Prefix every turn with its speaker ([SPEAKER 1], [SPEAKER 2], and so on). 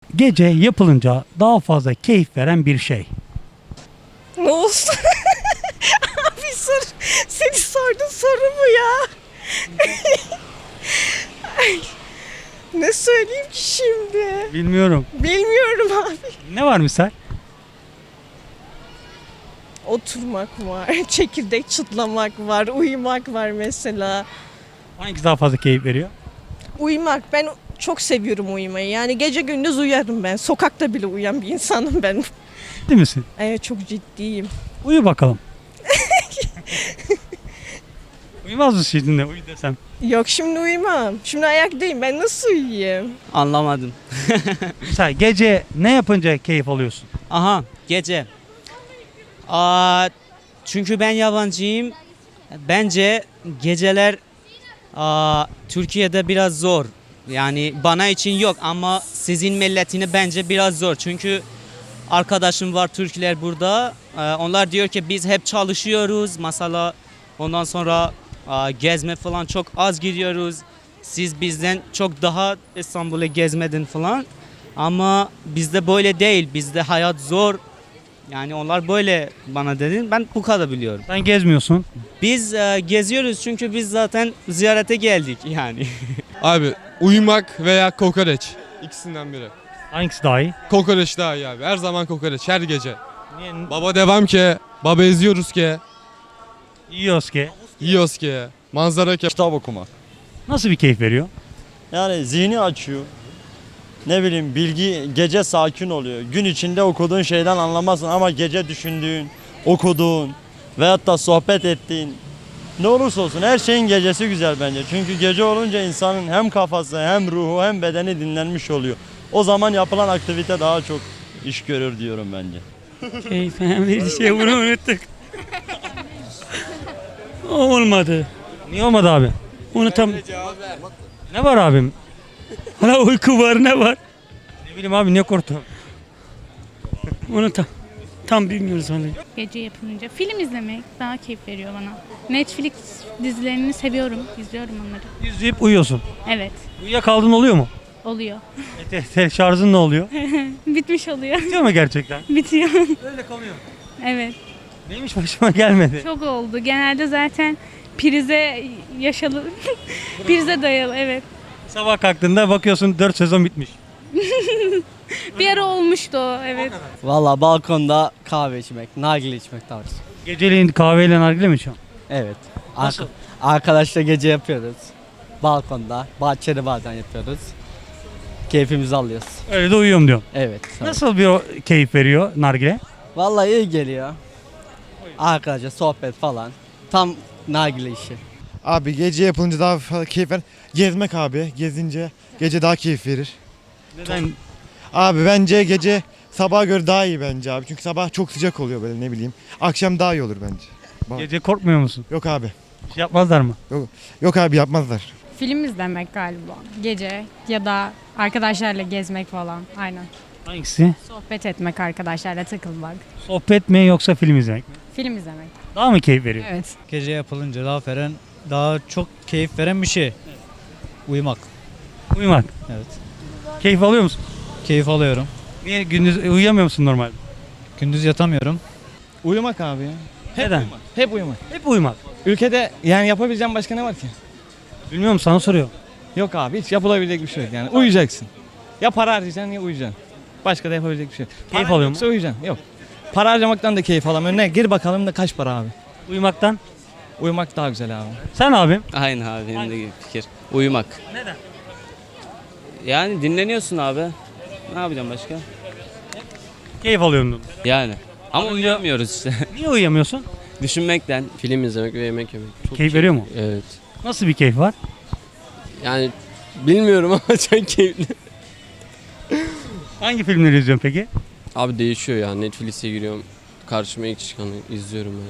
[SPEAKER 1] Gece yapılınca daha fazla keyif veren bir şey.
[SPEAKER 2] Ne olsun? Abi seni sordun soru mu ya? Ay, ne söyleyeyim ki şimdi?
[SPEAKER 1] Bilmiyorum.
[SPEAKER 2] Bilmiyorum abi.
[SPEAKER 1] Ne var misal?
[SPEAKER 2] Oturmak var, çekirdek çıtlamak var, uyumak var mesela.
[SPEAKER 1] Hangisi daha fazla keyif veriyor?
[SPEAKER 2] Uyumak, ben çok seviyorum uyumayı. Yani gece gündüz uyarım ben. Sokakta bile uyuyan bir insanım ben.
[SPEAKER 1] Değil misin?
[SPEAKER 2] Evet, çok ciddiyim.
[SPEAKER 1] Uyu bakalım. Uyumaz mısın şimdi uyu desem?
[SPEAKER 2] Yok, şimdi uyumam. Şimdi ayaktayım. Ben nasıl uyuyayım?
[SPEAKER 3] Anlamadım.
[SPEAKER 1] Misal gece ne yapınca keyif alıyorsun?
[SPEAKER 3] Aha, gece. Çünkü ben yabancıyım. Bence geceler Türkiye'de biraz zor. Yani bana için yok ama sizin milletine bence biraz zor. Çünkü arkadaşım var Türkler burada. Onlar diyor ki biz hep çalışıyoruz. Mesela ondan sonra gezme falan çok az gidiyoruz. Siz bizden çok daha İstanbul'u gezmedin falan. Ama bizde böyle değil. Bizde hayat zor. Yani onlar böyle bana dedin. Ben bu kadar biliyorum.
[SPEAKER 1] Sen gezmiyorsun.
[SPEAKER 3] Biz geziyoruz çünkü biz zaten ziyarete geldik yani.
[SPEAKER 4] Abi uyumak veya kokoreç. İkisinden biri.
[SPEAKER 1] Hangisi daha iyi?
[SPEAKER 4] Kokoreç daha iyi abi. Her zaman kokoreç. Her gece.
[SPEAKER 1] Niye?
[SPEAKER 4] Baba devam ki. Baba eziyoruz ki.
[SPEAKER 1] Yiyoruz ki.
[SPEAKER 4] Yiyoruz ki. Manzara ki.
[SPEAKER 5] Kitap okumak.
[SPEAKER 1] Nasıl bir keyif veriyor?
[SPEAKER 5] Yani zihni açıyor. Ne bileyim bilgi gece sakin oluyor. Gün içinde okuduğun şeyden anlamazsın ama gece düşündüğün, okuduğun veyahut da sohbet ettiğin ne olursa olsun her şeyin gecesi güzel bence. Çünkü gece olunca insanın hem kafası hem ruhu hem bedeni dinlenmiş oluyor. O zaman yapılan aktivite daha çok iş görür diyorum bence.
[SPEAKER 6] Keyif verici şey bunu unuttuk. O olmadı.
[SPEAKER 1] Niye olmadı abi?
[SPEAKER 6] Onu tam...
[SPEAKER 1] Ne var abim?
[SPEAKER 6] Hala uyku var ne var?
[SPEAKER 1] Ne bileyim abi ne korktum.
[SPEAKER 6] Onu tam bilmiyoruz onu.
[SPEAKER 7] Gece yapılınca film izlemek daha keyif veriyor bana. Netflix dizilerini seviyorum, izliyorum onları.
[SPEAKER 1] İzleyip uyuyorsun.
[SPEAKER 7] Evet,
[SPEAKER 1] Uyuyakaldın oluyor mu?
[SPEAKER 7] oluyor.
[SPEAKER 1] Şarjın ne oluyor?
[SPEAKER 7] Bitmiş oluyor,
[SPEAKER 1] Bitiyor mu gerçekten?
[SPEAKER 7] bitiyor.
[SPEAKER 1] Öyle kalıyor.
[SPEAKER 7] Evet,
[SPEAKER 1] Neymiş başıma gelmedi.
[SPEAKER 7] çok oldu. Genelde zaten prize prize dayalı, evet.
[SPEAKER 1] Sabah kalktığında bakıyorsun 4 sezon bitmiş.
[SPEAKER 7] Bir ara olmuştu o, evet.
[SPEAKER 3] Valla balkonda kahve içmek, nargile içmek tarzı.
[SPEAKER 1] Geceleyin kahveyle nargile mi içiyorsun?
[SPEAKER 3] Evet.
[SPEAKER 1] Nasıl?
[SPEAKER 3] Arkadaşla gece yapıyoruz. Balkonda, bahçede bazen yapıyoruz. Keyfimizi alıyoruz.
[SPEAKER 1] Öyle de uyuyorum diyorum.
[SPEAKER 3] Evet.
[SPEAKER 1] Nasıl bir keyif veriyor nargile?
[SPEAKER 3] Vallahi iyi geliyor. Arkadaşlar sohbet falan. Tam nargile işi.
[SPEAKER 8] Abi gece yapılınca daha fazla keyif ver. Gezmek abi. Gezince gece daha keyif verir.
[SPEAKER 1] Neden?
[SPEAKER 8] Abi bence gece sabaha göre daha iyi bence abi. Çünkü sabah çok sıcak oluyor böyle ne bileyim. Akşam daha iyi olur bence.
[SPEAKER 1] Gece korkmuyor musun?
[SPEAKER 8] Yok abi.
[SPEAKER 1] Bir şey yapmazlar mı?
[SPEAKER 8] Yok abi yapmazlar.
[SPEAKER 9] Film izlemek galiba. Gece ya da arkadaşlarla gezmek falan. Aynen.
[SPEAKER 1] Hangisi?
[SPEAKER 9] Sohbet etmek, arkadaşlarla takılmak.
[SPEAKER 1] Sohbet mi yoksa film izlemek mi?
[SPEAKER 9] Film izlemek.
[SPEAKER 1] Daha mı keyif veriyor?
[SPEAKER 9] Evet.
[SPEAKER 10] Gece yapılınca daha çok keyif veren bir şey. Uyumak.
[SPEAKER 1] Uyumak.
[SPEAKER 10] Evet.
[SPEAKER 1] Keyif alıyor musun?
[SPEAKER 10] Keyif alıyorum.
[SPEAKER 1] Niye gündüz uyuyamıyor musun normalde?
[SPEAKER 10] Gündüz yatamıyorum.
[SPEAKER 11] Uyumak abi ya.
[SPEAKER 1] Neden?
[SPEAKER 11] Hep uyumak.
[SPEAKER 1] Hep uyumak.
[SPEAKER 11] Ülkede yani yapabileceğim başka ne var ki?
[SPEAKER 1] Bilmiyorum sana soruyorum.
[SPEAKER 11] Yok abi hiç yapılabilecek bir şey yok yani uyuyacaksın. Ya para harcayacaksın ya uyuyacaksın. Başka da yapabilecek bir şey yok.
[SPEAKER 1] Keyif
[SPEAKER 11] Paran
[SPEAKER 1] alıyor mu?
[SPEAKER 11] yoksa uyuyacaksın. Yok. Para harcamaktan da keyif alamıyorum. Ne? Gir bakalım da kaç para abi?
[SPEAKER 1] Uyumaktan.
[SPEAKER 11] Uyumak daha güzel abi.
[SPEAKER 1] Sen abim?
[SPEAKER 3] Aynı abi benim de fikir. Uyumak.
[SPEAKER 1] Neden?
[SPEAKER 3] Yani dinleniyorsun abi. Ne yapacağım başka?
[SPEAKER 1] Keyif alıyorum dedim.
[SPEAKER 3] Yani. Ama uyuyamıyoruz işte.
[SPEAKER 1] Niye uyuyamıyorsun?
[SPEAKER 3] Düşünmekten. Film izlemek ve yemek yemek. Çok
[SPEAKER 1] Keyif veriyor mu?
[SPEAKER 3] Evet.
[SPEAKER 1] Nasıl bir keyif var?
[SPEAKER 3] Yani bilmiyorum ama çok keyifli.
[SPEAKER 1] Hangi filmleri izliyorsun peki?
[SPEAKER 3] Abi değişiyor ya. Netflix'e giriyorum. Karşıma ilk çıkanı izliyorum yani.